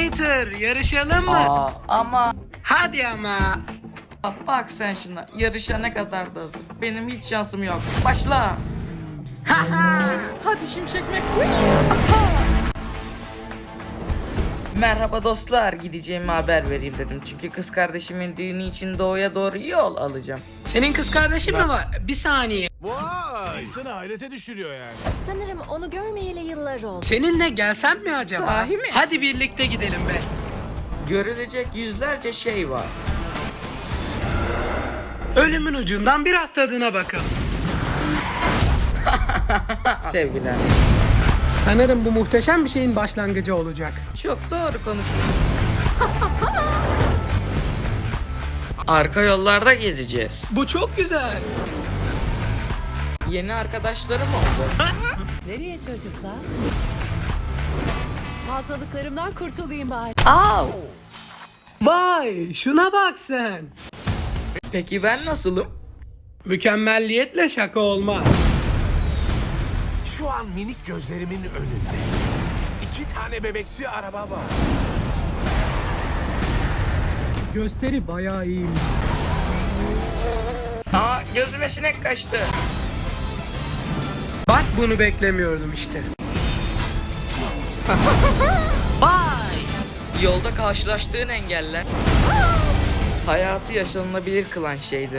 Mater, yarışalım mı? Ama Hadi ama. bak sen şuna, yarışa ne kadar da hazır. Benim hiç şansım yok. Başla. Hadi Şimşek McQueen. Merhaba dostlar, gideceğimi haber vereyim dedim. Çünkü kız kardeşimin düğünü için doğuya doğru yol alacağım. Senin kız kardeşin mi var? Bir saniye. Vay! İnsanı hayrete düşürüyor yani. Sanırım onu görmeyeli yıllar oldu. Seninle gelsem mi acaba? Sahi mi? Hadi birlikte gidelim be. Görülecek yüzlerce şey var. Ölümün ucundan biraz tadına bakalım. Sevgiler. Sanırım bu muhteşem bir şeyin başlangıcı olacak. Çok doğru konuştun. Arka yollarda gezeceğiz. Bu çok güzel. Yeni arkadaşlarım oldu. Nereye çocuklar? Fazlalıklarımdan kurtulayım bari. Au! Vay, şuna bak sen. Peki ben nasılım? Mükemmelliyetle şaka olmaz. Şu an minik gözlerimin önünde 2 tane bebeksi araba var. Gösteri bayağı iyi. Aa, gözüme sinek kaçtı. Bak bunu beklemiyordum işte. Vay! Yolda karşılaştığın engeller hayatı yaşanılabilir kılan şeydir.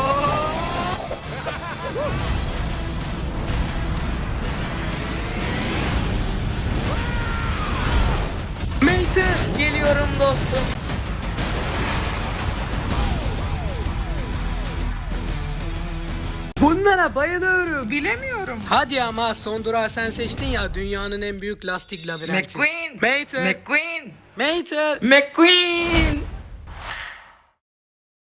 Mater! Geliyorum dostum. Bunlara bayılıyorum. Bilemiyorum. Hadi ama son durağı sen seçtin ya, dünyanın en büyük lastik labirenti. McQueen. Mater! McQueen. Mater! McQueen.